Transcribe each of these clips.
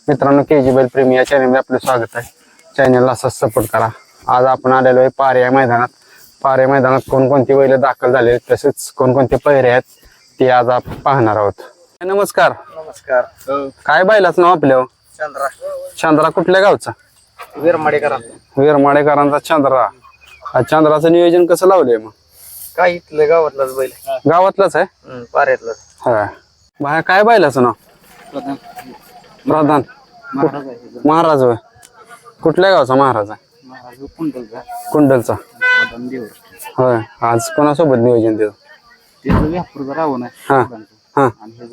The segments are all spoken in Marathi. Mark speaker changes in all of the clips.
Speaker 1: मित्रांनो केजी बैल प्रेमी या चॅनलमध्ये आपलं स्वागत आहे. चॅनलला असाच सपोर्ट करा. आज आपण आलेलो आहे पाऱ्या मैदानात. पाऱ्या मैदानात कोणकोणती बैल दाखल झाले तसेच कोणकोणते पहिरे आहेत ते आज आपण पाहणार आहोत. नमस्कार.
Speaker 2: नमस्कार.
Speaker 1: काय बैलाचं नाव आपलं?
Speaker 2: चंद्रा.
Speaker 1: चंद्रा कुठल्या गावचा? वीरमाडेकरांचा चंद्रा. चंद्राचं नियोजन कसं लावलंय मग?
Speaker 2: काय इथलं गावातलाच बैल.
Speaker 1: गावातलाच आहे?
Speaker 2: पाऱ्यातलाच.
Speaker 1: हा. बाहेर काय बैलाचं नाव? प्रधान. महाराज होय. कुठल्या गावचा महाराज आहे? कुंडलचा. होय. आज कोणासोबत नियोजन देतो? हा हा.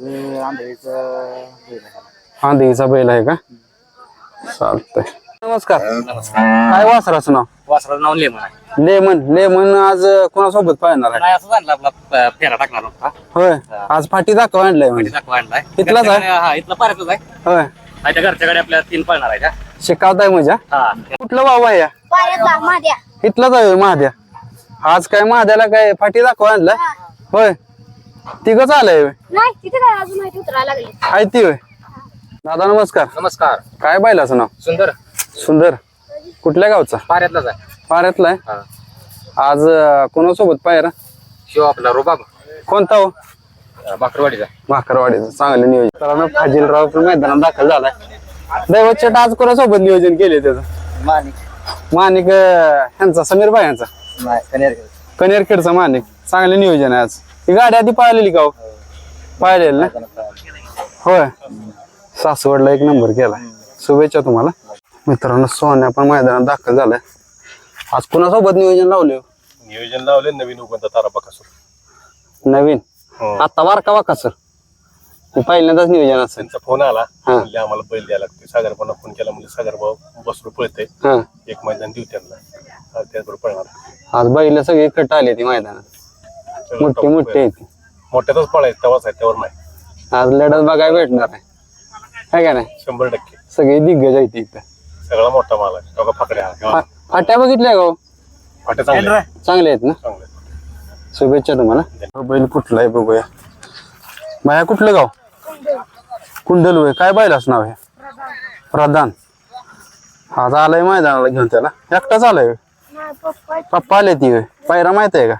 Speaker 1: आंधळीचा बैल आहे का? चालतंय. नमस्कार. काय वासराचं नाव?
Speaker 2: वासराचं नाव लेमन आहे.
Speaker 1: लेमन आज कोणासोबत पाहणार आहे?
Speaker 2: नाही असं आणलं आपला फेरा टाकणार होता.
Speaker 1: होय. आज फाटी दाखव आणलाय म्हणजे.
Speaker 2: दाखवा आणलाय.
Speaker 1: इथलाच आहे?
Speaker 2: हा इथला पाऱ्यातलाच आहे.
Speaker 1: होय.
Speaker 2: त्या घरच्याकडे आपल्या 3 पळणार आहे का?
Speaker 1: शिकावताय म्हणजे?
Speaker 2: हा.
Speaker 1: कुठलं वाव आहे या? इथलाच आहे महाद्या. आज काय महाद्याला काय फाटी दाखव आणलं? होय. तिघच आलंय
Speaker 3: नाही तिथे काय अजून माहिती उतरायला लागली.
Speaker 1: आहे ती होय. दादा नमस्कार.
Speaker 2: नमस्कार.
Speaker 1: काय बैलाचं नाव?
Speaker 2: सुंदर.
Speaker 1: सुंदर. कुठल्या गावचा?
Speaker 2: पाऱ्यातलाच आहे.
Speaker 1: पाऱ्यातला आहे. आज कोणासोबत पायरा?
Speaker 2: शिव आपला रुबाब.
Speaker 1: कोणता हो?
Speaker 2: बाकरवाडीचा.
Speaker 1: भाकरवाडीचं चांगलं नियोजन. तर फाजीलराव पण मैदानात दाखल झालाय. दैवत चट आज कोणासोबत नियोजन केले त्याचं? माणिक ह्यांचा समीर भाई यांचा कनेरखेडचा माणिक. चांगलं नियोजन आहे आज. ही गाडी आधी पाहिलेली का हो? पाहिलेली ना? होय. सासवडला 1 नंबर केला. शुभेच्छा तुम्हाला. मित्रांनो सोन्या पण मैदानात दाखल झालाय. आज कोणासोबत नियोजन लावले?
Speaker 4: नियोजन लावले नवीन उगवता तारा बकासूर.
Speaker 1: नवीन आता वारका वाका सर पहिल्यांदाच नियोजन असेल.
Speaker 4: त्यांचा फोन आला म्हणजे आम्हाला बैल द्यायला लागतो. सागर पण फोन केला म्हणजे सागर भाऊ बसरू पळते एक मैदान देऊ त्यांना. त्याचबरोबर पळणार.
Speaker 1: आज बैल सगळी कट आली ती मैदानात. मोठी येते.
Speaker 4: मोठ्यातच पळायचं तेव्हाच आहे त्यावर नाही.
Speaker 1: आज लढत बघायला भेटणार आहे का नाही?
Speaker 4: 100%
Speaker 1: सगळी दिग्गज आहे ती इथं.
Speaker 4: सगळा मोठा माल आहे. बघा फाकड्या
Speaker 1: फाट्या बघितल्या का?
Speaker 4: फाट्या चांगल्या
Speaker 1: चांगले आहेत ना?
Speaker 4: चांगले.
Speaker 1: शुभेच्छा तुम्हाला. बैल कुठला आहे बघूया. बाया कुठलं गाव? कुंडल होय. काय बैलाच नाव आहे? प्रधान. आज आलाय मैदानाला घेऊन त्याला. एकटाच आलाय? पप्पा आले ती होय. पायरा माहित आहे का?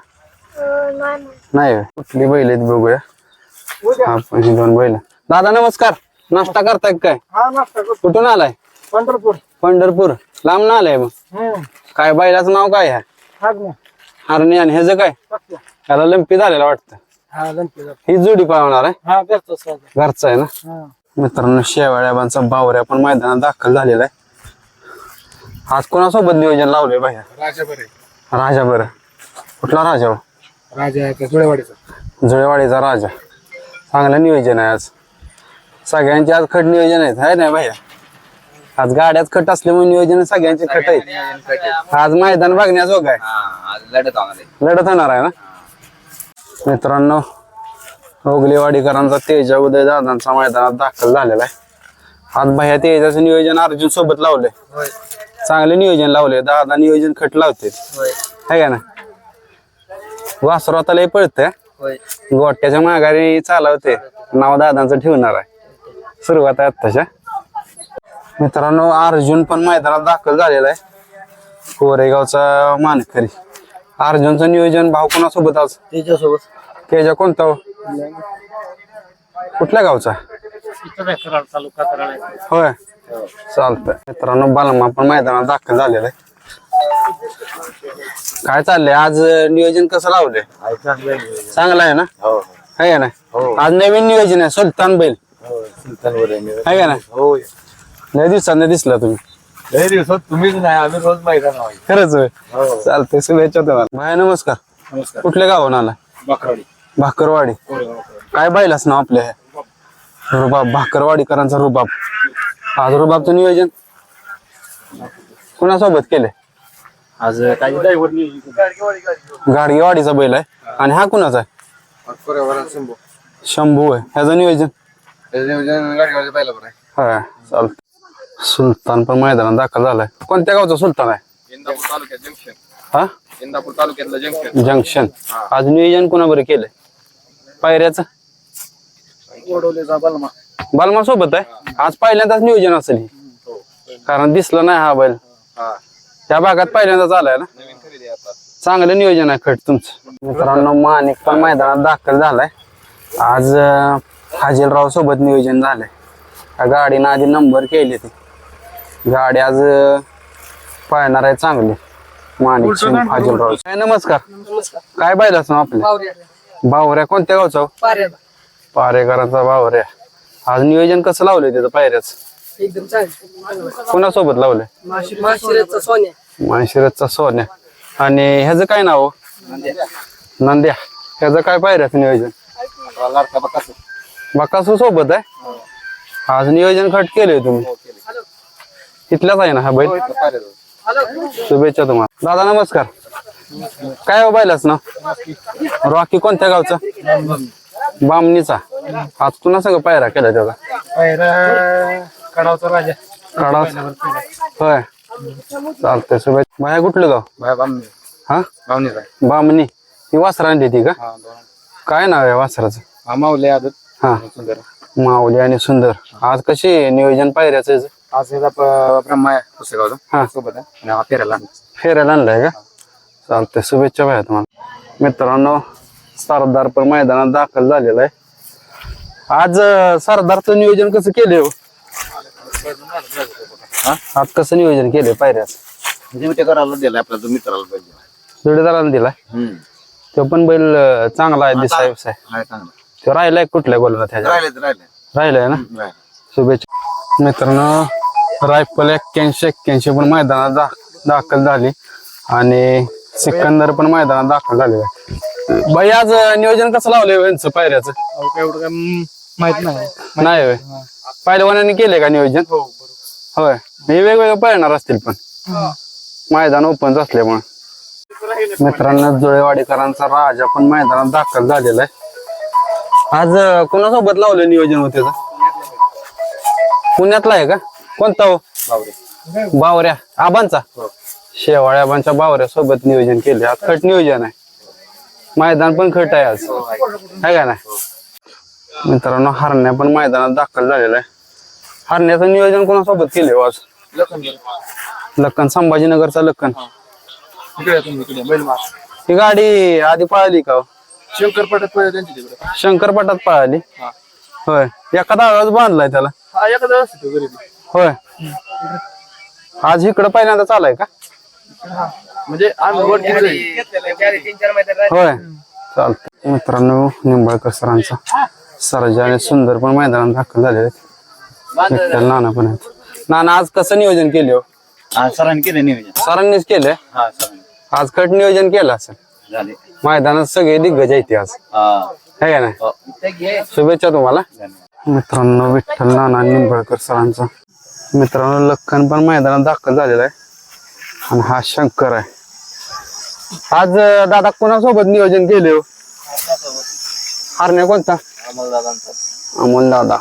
Speaker 1: नाही होय. कुठली बैल आहेत बघूया. आपण ही 2 बैल. दादा नमस्कार. नाश्ता करताय काय? कुठून आलाय? पंढरपूर. लांब ना आलाय मग? काय बैलाचं नाव काय आहे? हरणी. आणि ह्याचं काय? त्याला लंपी झालेला वाटतं. ही जोडी पाळवणार आहे? घरचा आहे ना? मित्रांनो शेवाळ्याबांचा बावऱ्या पण मैदानात दाखल झालेला आहे. आज कोणासोबत नियोजन लावलंय बाहेर? राजा. बरं. कुठला राजा हो? जुळेवाडीचा राजा. चांगलं नियोजन आहे आज. सगळ्यांचे आज खट नियोजन आहेत है ना भैया? आज गाड्यात खट असल्यामुळे नियोजन सगळ्यांचे खट आहेत. आज मैदान बघण्याजोग आहे. लढत होणार आहे ना? मित्रांनो ओगलेवाडीकरांचा तेजा उदय दादांचा मैदानात दाखल झालेला आहे. आज भैया तेजाचं नियोजन अर्जुन सोबत लावलंय. चांगलं नियोजन लावलंय. दादा नियोजन खट लावते है का ना? वासरू आता लय पळतंय. गोट्याच्या माघारी चालवते. नाव दादांचं ठेवणार आहे. सुरुवात आहे आत्ताच्या. मित्रांनो अर्जुन पण मैदानात दाखल झालेला आहे. कोरेगावचा मानकरी. अर्जुनचं नियोजन भाऊ कोणासोबत आज? तेजा कोणता हो? कुठल्या गावचा? होय. चालतंय. मित्रांनो बालमा पण मैदानात दाखल झालेला आहे. काय चाललंय आज नियोजन कसं लावलंय? चांगलं आहे ना? है का नाही? आज नवीन नियोजन आहे. सुलतान बैल आहे का नाही? लय दिवसांनी दिसला तुम्ही.
Speaker 4: तुम्हीच नाही आम्ही रोज मैदान.
Speaker 1: खरंच होय. चालतंय. शुभेच्छा तुम्हाला. भाई नमस्कार. कुठल्या गावाहून आला? भाकरवाडी. काय बैलाच नाव आपल्या? रुबाब. भाकरवाडीकरांचा रुबाब. आज रुबाबचं नियोजन कोणासोबत केलंय?
Speaker 2: आज काय
Speaker 1: गाडगेवाडीचा बैल आहे. आणि हा कुणाचा आहे? शंभू आहे. ह्याचं नियोजन हा चालत. सुलतान पण मैदानात दाखल झालाय. कोणत्या गावचा सुलतान आहे?
Speaker 4: इंदापूर तालुक्यातलं
Speaker 1: जंक्शन. आज नियोजन कोणाबरोबर केलंय पायऱ्याचं? बालमा सोबत आहे आज पहिल्यांदाच नियोजन असेल हे. कारण दिसलं नाही हा बैल त्या भागात पहिल्यांदाच आलाय ना. चांगलं नियोजन आहे खट तुमचं. मित्रांनो माणिक पण मैदानात दाखल झालाय आज. हाजीलराव सोबत नियोजन झालंय. त्या गाडीनं आधी नंबर केले ते गाडी आज पाहणार आहे चांगली. माणिक हाजीलराव काय नमस्कार. काय बैलाच ना आपल्या बावऱ्या कोणत्या गावचा पारेकरांचा बावऱ्या. आज नियोजन कसं लावलंय त्याचं पायऱ्याच
Speaker 5: एकदम चांगलं.
Speaker 1: कोणासोबत लावलंय. माळशिरसचा सोन्या. आणि ह्याचं काय नाव नंद्या. ह्याचं काय पायऱ्याचं नियोजन बकासू सोबत आहे. आज नियोजन खट केलंय तुम्ही. तिथल्याच आहे ना हा बैल. शुभेच्छा तुम्हाला दादा. नमस्कार. काय हो बैलाच ना रॉकी कोणत्या गावचा बामणीचा. आज कुणा सगळं पायरा केला त्याचा
Speaker 5: कडावचा राजा.
Speaker 1: काढा होय चालतंय. शुभेच्छा. बाया कुठलं गाव हा बामणी. ही वासरा आणली ती का काय नाव आहे वासराचं
Speaker 2: माऊली आदत
Speaker 1: हा
Speaker 2: सुंदर.
Speaker 1: माऊली आणि सुंदर. आज कशी नियोजन पायऱ्याचं याचं?
Speaker 2: आज ब्रह्मा आहे पुस्तकावरून
Speaker 1: हा
Speaker 2: सोबत आहे आणि हा फिरायला
Speaker 1: फेरायला आणलाय का. चालतंय. शुभेच्छा भाया तुम्हाला. मित्रांनो सरदार पण मैदानात दाखल झालेला आहे. आज सरदारचं नियोजन कसं केलंय हो? आज कसं नियोजन केलंय पायऱ्याचं?
Speaker 2: करायला दिला आपला जो मित्राला पाहिजे
Speaker 1: जोडीदाराला दिलाय तो पण बैल चांगला आहे दिसाय विसाय. तो राहिलाय कुठल्या गोलला त्याच्या राहिलाय ना. शुभेच्छा. मित्रांनो रायफल 81 पण मैदानात दाखल झाली आणि सिकंदर पण मैदानात दाखल झालेला आहे. बाई आज नियोजन कसं लावलंय यांचं पायऱ्याचं
Speaker 5: एवढं काय माहित नाही.
Speaker 1: नाही होय. पहिलवानाने केलंय का नियोजन होय. हे वेगवेगळे पळणार असतील पण मैदान ओपन असल्यामुळे. मित्रांनो जुळेवाडीकरांचा राजा पण मैदानात दाखल झालेला आहे. आज कोणासोबत लावलं नियोजन होते पुण्यातला आहे का कोणता हो बावऱ्या आबांचा शेवाळ्या आबांच्या बावऱ्या सोबत नियोजन केले. आज खट नियोजन आहे. मैदान पण खट आहे आज आहे का ना. मित्रांनो हरण्या पण मैदानात दाखल झालेला आहे. हरण्याचं नियोजन कोणासोबत केले हो आज? लक्कन संभाजीनगरचा लक्कन. ही गाडी आधी पळाली का हो?
Speaker 5: शंकरपटात पहिले त्यांची तिकडे.
Speaker 1: शंकरपटात पळाली होय. एखादा आवाज बांधलाय त्याला
Speaker 5: हा एखादा असतो गरीब.
Speaker 1: होय. आज इकडं पहिल्यांदाच आलाय का
Speaker 5: म्हणजे आम्ही वर घेतलंय.
Speaker 1: होय. चालतं. मित्रांनो निंबाळकर सरांचा सरजा आणि सुंदर पण मैदानात दाखल झालेले आहेत. विठ्ठल नाना पण आहेत. नाना आज कसं नियोजन केले हो?
Speaker 2: सरांनी केलं नियोजन.
Speaker 1: सरांनीच केलंय. आज कट नियोजन केलं असेल.
Speaker 2: झाले
Speaker 1: मैदानात सगळे दिग्गज आहेत आज है का नाही. शुभेच्छा तुम्हाला. मित्रांनो विठ्ठल नाना निंबाळकर सरांचा मित्रांनो लखन पण मैदानात दाखल झालेला आहे आणि हा शंकर आहे. आज दादा कोणासोबत नियोजन केले हो? हरण्या कोणता अमोल दादा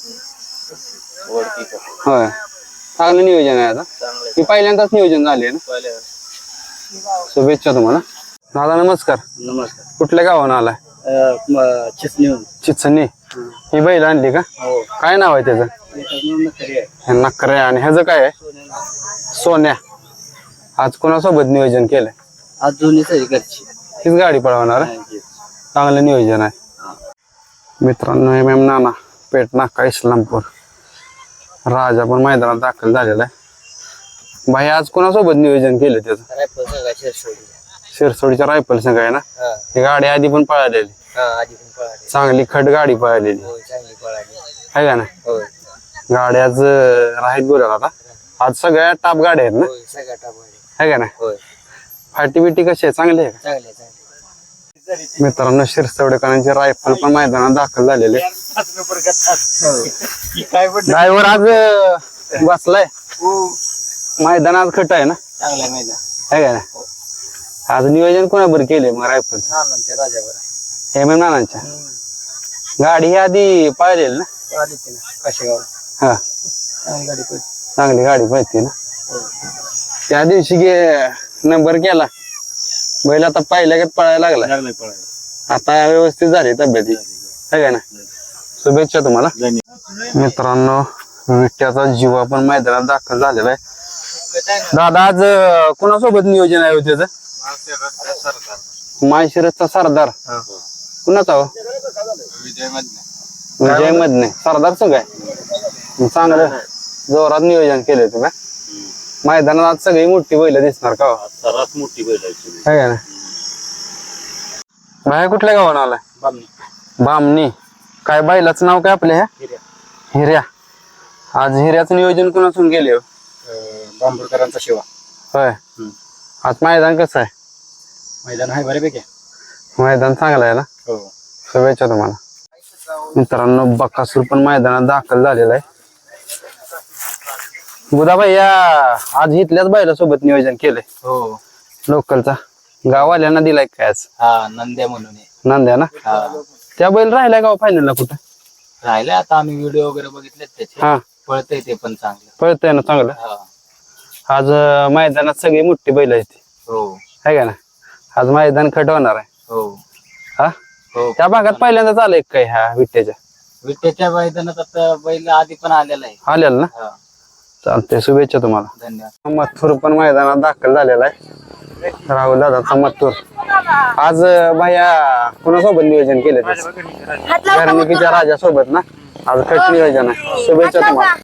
Speaker 1: होय. चांगलं नियोजन आहे आता. ही पहिल्यांदाच नियोजन झाले ना. शुभेच्छा तुम्हाला. दादा नमस्कार.
Speaker 2: नमस्कार.
Speaker 1: कुठल्या गावानं आलाय? चिचणी. ही बैल आणली का काय नाव आहे त्याचं? नखरे. आणि ह्याचं काय आहे? सोन्या. आज कोणासोबत नियोजन केलंय?
Speaker 2: आज दोन्ही घरची
Speaker 1: हीच गाडी पळवणार आहे. चांगलं नियोजन आहे. मित्रांनो MM नाना पेट नाका इस्लामपूर राजा पण मैदानात दाखल झालेला आहे. भाई आज कोणासोबत नियोजन केलं त्याचं? शिरसोडीच्या रायफल संघ आहे ना. ही गाडी आधी पण पळालेली चांगली खट गाडी पळालेली आहे का ना. गाडी आज राहीत बोलायला आता. आज सगळ्या टाप गाड्या आहेत ना आहे का ना. फाटी बिटी कशी आहे चांगली आहे का? मित्रांनो शिरसवडेकरांचे रायफल पण मैदानात दाखल झालेले. ड्रायव्हर आज बसलाय मैदानात खट आहे ना आहे का ना. आज नियोजन कोणाबर केले मग रायफल? MM नानांच्या. गाडी ही आधी पाहिलेली ना. हा चांगली गाडी पाहिजे ना. त्या दिवशी नंबर केला बैल आता पहिल्या पळायला लागला. आता व्यवस्थित झाली तब्येती है का ना. शुभेच्छा तुम्हाला मित्रांनो. विट्याचा जीवा पण मैदानात दाखल झालेला आहे. दादा आज कोणासोबत नियोजन आहे हो त्याचं? माळशिरसचा सरदार. कुणाचा हो? विजय मधने. सरदार संघ आहे. चांगलं जोरात नियोजन केलंय तुम्ही. मैदानात आज सगळी मोठी बैल दिसणार का हो?
Speaker 2: सर्वात मोठी बैल
Speaker 1: आहे का ना? बाहेर कुठल्या गावानं आलाय? बामणी. काय बैलाचं नाव काय आपल्या ह्या? हिर्या. आज हिऱ्याचं नियोजन कुणासून केले हो?
Speaker 2: बांबुळकरांचा शिवा.
Speaker 1: होय. आज मैदान कसं आहे?
Speaker 2: मैदान आहे बऱ्यापैकी.
Speaker 1: मैदान चांगलं आहे ना?
Speaker 2: हो.
Speaker 1: शुभेच्छा तुम्हाला. मित्रांनो बकासूर पण मैदानात दाखल झालेला आहे. बुधाबाई या आज इथल्याच बैलासोबत नियोजन केलंय
Speaker 2: हो.
Speaker 1: लोकलचा. गाववाल्यांना दिलाय काय आज?
Speaker 2: हा नंद्या म्हणून आहे.
Speaker 1: नांद्या ना?
Speaker 2: हा.
Speaker 1: त्या बैल राहिलाय गाव फायनलला कुठं?
Speaker 2: राहिलं आता आम्ही व्हिडिओ वगैरे बघितले त्याचे.
Speaker 1: हा
Speaker 2: पळतंय ते पण चांगलं.
Speaker 1: पळतंय ना चांगलं.
Speaker 2: हा.
Speaker 1: आज मैदानात सगळी मोठी बैल आहेत ती.
Speaker 2: हो.
Speaker 1: आहे का ना? आज मैदान खट होणार आहे.
Speaker 2: हो.
Speaker 1: हा
Speaker 2: हो.
Speaker 1: त्या भागात पहिल्यांदाच आलंय काय ह्या विट्याच्या?
Speaker 2: विट्याच्या मैदानात आता बैल आधी पण आलेला आहे.
Speaker 1: आलेलं ना?
Speaker 2: हा.
Speaker 1: चालतंय शुभेच्छा तुम्हाला.
Speaker 2: धन्यवाद.
Speaker 1: मथुर पण मैदानात दाखल झालेला आहे. राहुल दादाचा मथुर. आज भैया कोणासोबत नियोजन केलं? घरणिकीच्या राजासोबत ना? आज खट नियोजन आहे. शुभेच्छा तुम्हाला.